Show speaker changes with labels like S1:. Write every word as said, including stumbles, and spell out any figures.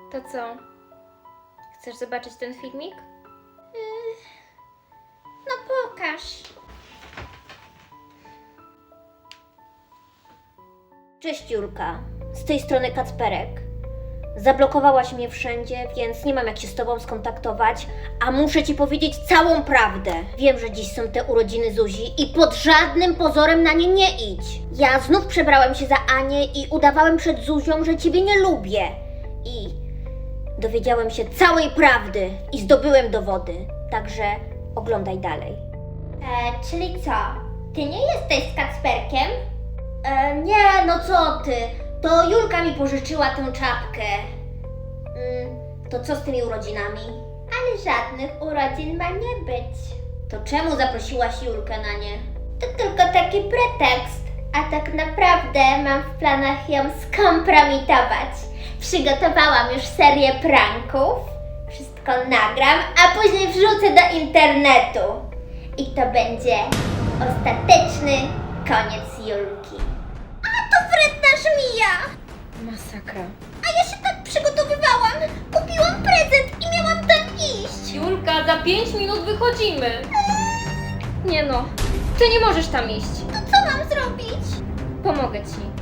S1: To co? Chcesz zobaczyć ten filmik?
S2: Yy, no pokaż.
S3: Cześć Julka, z tej strony Kacperek. Zablokowałaś mnie wszędzie, więc nie mam jak się z tobą skontaktować, a muszę ci powiedzieć całą prawdę. Wiem, że dziś są te urodziny Zuzi i pod żadnym pozorem na nie nie idź. Ja znów przebrałem się za Anię i udawałem przed Zuzią, że ciebie nie lubię. I dowiedziałem się całej prawdy i zdobyłem dowody, także oglądaj dalej.
S2: E, czyli co? Ty nie jesteś z Kacperkiem?
S3: E, nie, no co ty? To Julka mi pożyczyła tę czapkę. Mm, to co z tymi urodzinami?
S2: Ale żadnych urodzin ma nie być.
S3: To czemu zaprosiłaś Julkę na nie?
S2: To tylko taki pretekst, a tak naprawdę mam w planach ją skompromitować. Przygotowałam już serię pranków, wszystko nagram, a później wrzucę do internetu. I to będzie ostateczny koniec Julki. A to wredna żmija!
S1: Masakra.
S2: A ja się tak przygotowywałam! Kupiłam prezent i miałam tam iść!
S1: Julka, za pięć minut wychodzimy. Nie no, ty nie możesz tam iść.
S2: To co mam zrobić?
S1: Pomogę ci.